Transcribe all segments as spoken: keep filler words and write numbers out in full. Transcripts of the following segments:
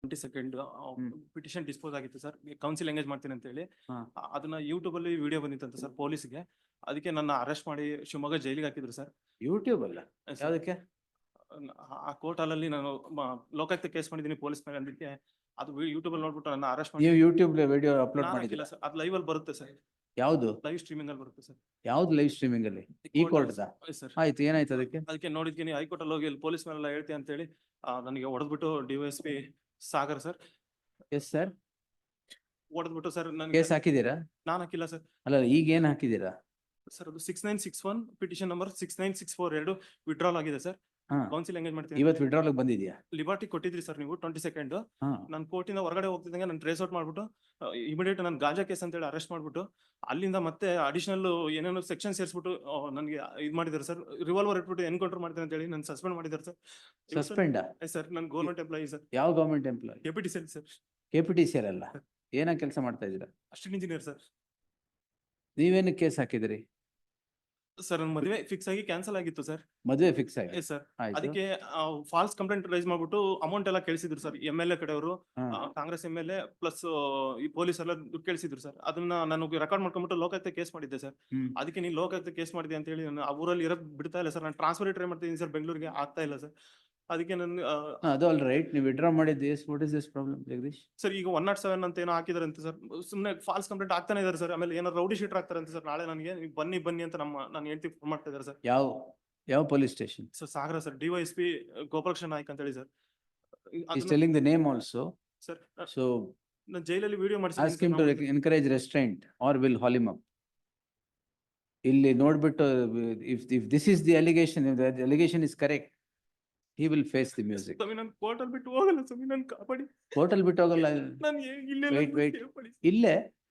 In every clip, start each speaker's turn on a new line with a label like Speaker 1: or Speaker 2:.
Speaker 1: Twenty second
Speaker 2: hmm.
Speaker 1: Petition dispose ಆಗಿತ್ತು sir, council engage ಮಾಡ್ತೀನಿ ಅಂತ ಹೇಳಿ.
Speaker 2: ಹಾ.
Speaker 1: ಆ- ಅದನ್ನ ಯೂಟ್ಯೂಬ್ ಅಲ್ಲಿ ವಿಡಿಯೋ ಬಂದಿತ್ತಂತ ಸರ್ ಪೊಲೀಸ್ಗೆ. ಅದಕ್ಕೆ ನನ್ನ ಅರೆಸ್ಟ್ ಮಾಡಿ ಶಿವಮೊಗ್ಗ ಜೈಲಿಗೆ ಹಾಕಿದ್ರು ಸರ್.
Speaker 2: ಯೂಟ್ಯೂಬ್ ಅಲ್ಲ
Speaker 1: ಸರ್,
Speaker 2: ಯಾವ್ದಕ್ಕೆ?
Speaker 1: ಆ ಕೋರ್ಟ್ ಹಾಲಲ್ಲಿ ನಾನು ಮ- ಲೋಕಾಯುಕ್ತ ಕೇಸ್ ಮಾಡಿದ್ದೀನಿ ಪೊಲೀಸ್ ಮೇಲೆ. ಅದಕ್ಕೆ ಅದು ಯೂಟ್ಯೂಬ್ ಅಲ್ಲಿ ನೋಡ್ಬಿಟ್ಟು ನನ್ನ ಅರೆಸ್ಟ್ ಮಾಡಿ.
Speaker 2: ನೀವು ಯೂಟ್ಯೂಬ್ ವಿಡಿಯೋ ಅಪ್ಲೋಡ್
Speaker 1: ನಾನು
Speaker 2: ಮಾಡಿದಿಲ್ಲ?
Speaker 1: ಹಾಕಿಲ್ಲ ಸರ್, ಅದು ಲೈವ್ ಅಲ್ಲಿ ಬರುತ್ತೆ ಸರ್,
Speaker 2: ಯಾವ್ದು
Speaker 1: ಲೈವ್ ಸ್ಟ್ರೀಮಿಂಗ್ ಅಲ್ಲಿ ಬರುತ್ತೆ ಸರ್.
Speaker 2: ಯಾವ್ದು ಲೈವ್ ಸ್ಟ್ರೀಮಿಂಗ್ ಅಲ್ಲಿ? ಈ ಕೋರ್ಟ್
Speaker 1: ಸರ್
Speaker 2: ಆಯ್ತು, ಏನಾಯ್ತು ಅದಕ್ಕೆ?
Speaker 1: ಅದಕ್ಕೆ ನೋಡಿದ್ತೀನಿ ಹೈಕೋರ್ಟ್ ಅಲ್ಲಿ ಹೋಗಿ ಪೊಲೀಸ್ ಮೇಲೆಲ್ಲ ಹೇಳ್ತೀನಿ ಅಂತ ಹೇಳಿ ನನಗೆ ಹೊಡೆದ್ಬಿಟ್ಟು DYSP Sagar sir
Speaker 2: yes sir,
Speaker 1: ಹೊಡೆದ್ಬಿಟ್ಟು ಸರ್
Speaker 2: ಕೇಸ್
Speaker 1: ನನಗೆ.
Speaker 2: ಹಾಕಿದೀರಾ?
Speaker 1: ನಾನು ಹಾಕಿಲ್ಲ ಸರ್.
Speaker 2: ಅಲ್ಲ, ಈಗ ಏನ್ ಹಾಕಿದೀರಾ?
Speaker 1: ಸರ್ ಅದು six nine six one petition number six nine six four ಎರಡು ವಿಡ್ರಾಲ್ ಆಗಿದೆ ಸರ್.
Speaker 2: ಹಾ,
Speaker 1: ಕೌನ್ಸಿಲ್ ಎಂಗೇಜ್ ಮಾಡ್ತೀನಿ.
Speaker 2: ಇವತ್ತು ವಿಡ್ರಾಲ್ ಬಂದಿದ್ಯಾ?
Speaker 1: ಲಿಬರ್ಟಿ ಕೊಟ್ಟಿದ್ರಿ ಸರ್ ನೀವು ಟ್ವೆಂಟಿ ಸೆಕೆಂಡ್.
Speaker 2: ಹಾ,
Speaker 1: ನಾನು ಕೋರ್ಟಿಂದ ಹೊರಗಡೆ ಹೋಗ್ತಿದ್ದಂಗೆ ನಾನು ಟ್ರೇಸ್ ಔಟ್ ಮಾಡ್ಬಿಟ್ಟು ಇಮಿಡಿಯೇಟ್ ನಾನು ಗಾಂಜಾ ಕೇಸ್ ಅಂತ ಹೇಳಿ ಅರೆಸ್ಟ್ ಮಾಡ್ಬಿಟ್ಟು ಅಲ್ಲಿಂದ ಮತ್ತೆ ಅಡಿಷನಲ್ ಏನೇನೋ ಸೆಕ್ಷನ್ ಸೇರಿಸ್ಬಿಟ್ಟು ನನಗೆ ಇದು ಮಾಡಿದ್ದಾರೆ ಸರ್. ರಿವಾಲ್ವರ್ ಇಟ್ಬಿಟ್ಟು ಎನ್ಕೌಂಟರ್ ಮಾಡ್ತೀನಿ ಅಂತ ಹೇಳಿ ನಾನು ಸಸ್ಪೆಂಡ್ ಮಾಡಿದ್ದಾರೆ ಸರ್.
Speaker 2: ಸಸ್ಪೆಂಡ್?
Speaker 1: ಸರ್ ನಾನು ಗೌರ್ಮೆಂಟ್ ಎಂಪ್ಲಾಯಿ ಸರ್.
Speaker 2: ಯಾವ government employee?
Speaker 1: Deputy cell sir.
Speaker 2: K P T C ಅಲ್ಲ, ಏನ ಕೆಲಸ ಮಾಡ್ತಾ ಇದ್ದೀರಾ?
Speaker 1: Assistant engineer sir.
Speaker 2: ನೀವೇನು ಕೇಸ್ ಹಾಕಿದಿರಿ?
Speaker 1: ಸರ್ ನನ್ನ ಮದುವೆ ಫಿಕ್ಸ್ ಆಗಿ ಕ್ಯಾನ್ಸಲ್ ಆಗಿತ್ತು ಸರ್.
Speaker 2: ಮದುವೆ ಫಿಕ್ಸ್ ಆಗಿ?
Speaker 1: Yes sir.
Speaker 2: ಆಯ್ತು.
Speaker 1: ಅದಕ್ಕೆ ಫಾಲ್ಸ್ ಕಂಪ್ಲೇಂಟ್ ರೈಸ್ ಮಾಡ್ಬಿಟ್ಟು ಅಮೌಂಟ್ ಎಲ್ಲ ಕೇಳಿಸಿದ್ರು ಸರ್. ಎಂ ಎಲ್ ಎ ಕಡೆಯವರು,
Speaker 2: ಹಾ.
Speaker 1: Congress M L A plus ಈ ಪೊಲೀಸ್ ಎಲ್ಲ ದುಡ್ಡು ಕೇಳಿಸಿದ್ರು ಸರ್. ಅದನ್ನ ನಾನು ರೆಕಾರ್ಡ್ ಮಾಡ್ಕೊಂಡ್ಬಿಟ್ಟು ಲೋಕಾಯುಕ್ತ ಕೇಸ್ ಮಾಡಿದ್ದೆ ಸರ್.
Speaker 2: ಹ್ಮ್.
Speaker 1: ಅದಕ್ಕೆ ನೀವು ಲೋಕಾಯುಕ್ತ ಕೇಸ್ ಮಾಡಿದೆ ಅಂತ ಹೇಳಿ ನಾನು ಆ ಊರಲ್ಲಿ ಇರೋದ್ ಬಿಡ್ತಾ ಇಲ್ಲ ಸರ್. ನಾನು ಟ್ರಾನ್ಸ್ಫರ್ ಟ್ರೈ ಮಾಡ್ತಿದ್ದೀನಿ ಸರ್, ಬೆಂಗಳೂರಿಗೆ ಆಗ್ತಾ ಇಲ್ಲ ಸರ್. ಅದಕ್ಕೆ ನಾನು
Speaker 2: ಹಾ, ಅದು ಆಲ್ ರೈಟ್. ನೀವು ವಿಡ್ರಾ ಮಾಡಿದ್ದು what is this problem Jagadish?
Speaker 1: Sir ಈಗ ಒನ್ ನಾಟ್ ಸೆವೆನ್ ಅಂತ ಏನೋ ಹಾಕಿದಾರೆ ಅಂತ ಸರ್. ಸುಮ್ಮನೆ ಫಾಲ್ಸ್ ಕಂಪ್ಲೇಂಟ್ ಆಗ್ತಾನೆ ಇದಾರೆ ಸರ್. ಆಮೇಲೆ ಏನೋ ರೌಡಿ ಶೀಟರ್ ಆಗ್ತಾರೆ ಅಂತ ಸರ್. ನಾಳೆ ನನಗೆ ನೀವು ಬನ್ನಿ ಬನ್ನಿ ಅಂತ ನಮ್ಮ ನಾನು ಹೇಳ್ತಿ ಫೋನ್ ಮಾಡ್ತಾ ಇದ್ದಾರೆ ಸರ್.
Speaker 2: ಯಾವ ಯಾವ police station?
Speaker 1: Sir Sagara sir, DYSP Gopalakrishna Naik ಅಂತ ಹೇಳಿ sir.
Speaker 2: He's telling the name also.
Speaker 1: Sir
Speaker 2: So
Speaker 1: ನಾನು ಜೈಲಲ್ಲಿ video
Speaker 2: ask him to encourage restraint or will haul him up. ಇಲ್ಲಿ ನೋಡ್ಬಿಟ್ಟು if if this is the allegation, if the allegation is correct, he will face the music.
Speaker 1: ಸ್ವಾಮಿ ನಾನು court ಅಲ್ಲಿ ಬಿಟ್ಟು ಹೋಗಲ್ಲ ಸ್ವಾಮಿ, ನಾನು ಕಾಪಾಡಿ.
Speaker 2: ಕೋರ್ಟ್ ಅಲ್ಲಿ ಬಿಟ್ಟು ಹೋಗಲ್ಲ.
Speaker 1: ನಾನು ಇಲ್ಲೇ
Speaker 2: Wait, wait. ಇಲ್ಲೇ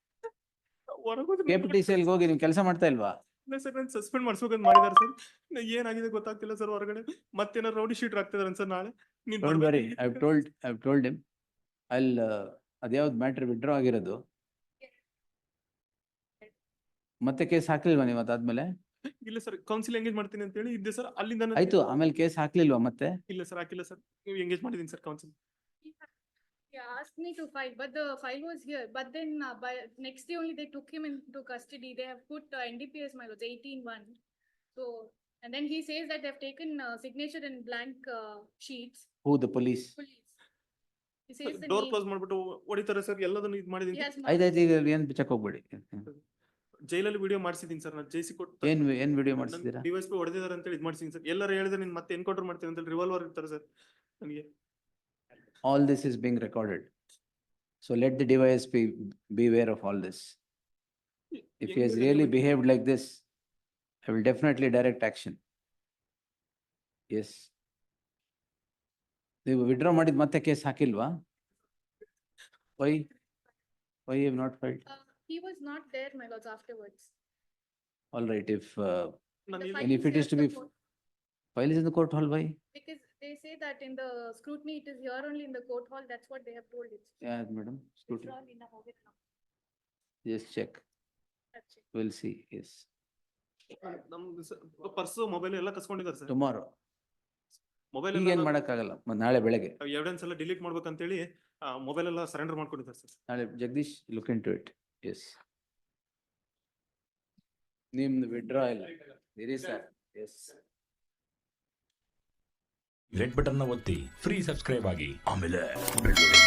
Speaker 2: ಕೆ ಪಿ ಟಿ ಸಿ ಅಲ್ಲಿ ಹೋಗಿ ನೀವು ಕೆಲಸ ಮಾಡ್ತಾ ಇಲ್ವಾ?
Speaker 1: ಸರ್ ನಾನು ಸಸ್ಪೆಂಡ್ ಮಾಡಿಸ್ಬೇಕಂತ ಮಾಡಿದಾರೆ ಸರ್. ಏನಾಗಿದೆ ಗೊತ್ತಾಗ್ತಿಲ್ಲ ಸರ್. ಹೊರಗಡೆ ಮತ್ತೇನಾರು ರೌಡಿ ಶೀಟರ್ ಆಗ್ತಿದಾರೆ ಸರ್. ನಾಳೆ ನೀನ್
Speaker 2: Don't worry,
Speaker 1: ಬರ್ಬೇಕು.
Speaker 2: I've told I've told him. I'll uh, ಅದ್ಯಾವ್ದು ಮ್ಯಾಟ್ರ್ ವಿಡ್ರಾ ಆಗಿರೋದು? ಮತ್ತೆ ಕೇಸ್ ಹಾಕ್ಲಿಲ್ವಾ ನೀವು ಅದಾದ್ಮೇಲೆ?
Speaker 1: ಇಲ್ಲ ಸರ್, ಕೌನ್ಸಿಲ್ ಎಂಗೇಜ್ ಮಾಡ್ತೀನಿ ಅಂತ ಹೇಳಿ ಇದ್ದೆ ಸರ್. ಅಲ್ಲಿಂದ ನಾನು-
Speaker 2: ಆಯ್ತು, ಆಮೇಲೆ ಕೇಸ್ ಹಾಕ್ಲಿಲ್ವಾ ಮತ್ತೆ?
Speaker 1: ಇಲ್ಲ ಸರ್, ಹಾಕಿಲ್ಲ ಸರ್. ನೀವು ಎಂಗೇಜ್ ಮಾಡಿದೀನಿ sir council.
Speaker 3: He asked me to file, but the file was here. But then uh, by next day only they took him into custody. They have put uh, N D P S, my lords, eighteen one. So, and then he says that they have taken uh, signature in blank uh, sheets.
Speaker 2: Who, the police?
Speaker 3: Police. He says the
Speaker 1: door
Speaker 3: name.
Speaker 1: Close ಮಾಡ್ಬಿಟ್ಟು ಹೊಡಿತಾರೆ sir. ಎಲ್ಲದನ್ನು ಇದು ಮಾಡಿದೀನಿ.
Speaker 3: He has marked-
Speaker 2: ಆಯ್ತಾಯ್ತು, ಈಗ ಏನ್ check ಹೋಗ್ಬೇಡಿ.
Speaker 1: ಜೈಲಲ್ಲಿ ವಿಡಿಯೋ ಮಾಡಿಸಿದೀನಿ ಸರ್. ನಾನು ಜೈಸಿ ಕೊಟ್ಟು
Speaker 2: ಏನ್ ಏನ್ ವಿಡಿಯೋ ಮಾಡಿಸಿದೀರಾ?
Speaker 1: ಡಿವೈಸ್ ಪಿ ಹೊಡೆದಿದ್ದಾರೆ ಅಂತ ಹೇಳಿ ಇದು ಮಾಡಿಸಿದೀನಿ ಸರ್. ಎಲ್ಲರೂ ಹೇಳಿದ್ರೆ ನೀನ್ ಮತ್ತೆ ಎನ್ಕೌಂಟರ್ ಮಾಡ್ತೀನಿ ಅಂತ ಹೇಳಿ ರಿವಾಲ್ವರ್ ಇರ್ತಾರೆ ಸರ್ ನನಗೆ.
Speaker 2: All this is being recorded. So let the device be beware of all this. If he has really behaved like this, I will definitely direct action. Yes. ನೀವು ವಿಡ್ರಾ ಮಾಡಿದ ಮತ್ತೆ case ಹಾಕಿಲ್ವಾ? Why? Why you have not filed?
Speaker 3: Uh, he was not there, my lords, afterwards.
Speaker 2: All right, if uh,
Speaker 1: ನಾನು
Speaker 3: The
Speaker 1: ಇಲ್ಲ-
Speaker 3: file
Speaker 2: And if
Speaker 3: is
Speaker 2: it
Speaker 3: here
Speaker 2: is to
Speaker 3: at the
Speaker 2: be-
Speaker 3: court.
Speaker 2: file is in the court hall, why?
Speaker 3: Because they say that in the scrutiny, it is here only in the court hall. That's what they have told it.
Speaker 2: Yeah, madam, scrutiny.
Speaker 3: It's all in the hall.
Speaker 2: Just check.
Speaker 3: That's it.
Speaker 2: We'll see, yes.
Speaker 1: ನಮ್ದು purse mobile ಎಲ್ಲ ಕಸ್ಕೊಂಡಿದ್ದಾರೆ sir.
Speaker 2: Tomorrow.
Speaker 1: Mobile
Speaker 2: ಈಗ ಏನ್ ಮಾಡಕ್ಕಾಗಲ್ಲ, ಮ- ನಾಳೆ ಬೆಳಗ್ಗೆ.
Speaker 1: Evidence ಎಲ್ಲ ಡಿಲೀಟ್ ಮಾಡ್ಬೇಕಂತೇಳಿ ಮೊಬೈಲ್ ಎಲ್ಲ ಸರೆಂಡರ್ ಮಾಡ್ಕೊಂಡಿದ್ದಾರೆ ಸರ್.
Speaker 2: ನಾಳೆ Jagadish look into it. Yes. ನಿಮ್ದು ವಿಡ್ರಾ ಇಲ್ಲ ಇರಿ ಸರ್. ಎಸ್.
Speaker 4: ರೆಡ್ ಬಟನ್ ನ ಒತ್ತಿ ಫ್ರೀ ಸಬ್ಸ್ಕ್ರೈಬ್ ಆಗಿ ಆಮೇಲೆ ಬೆಲ್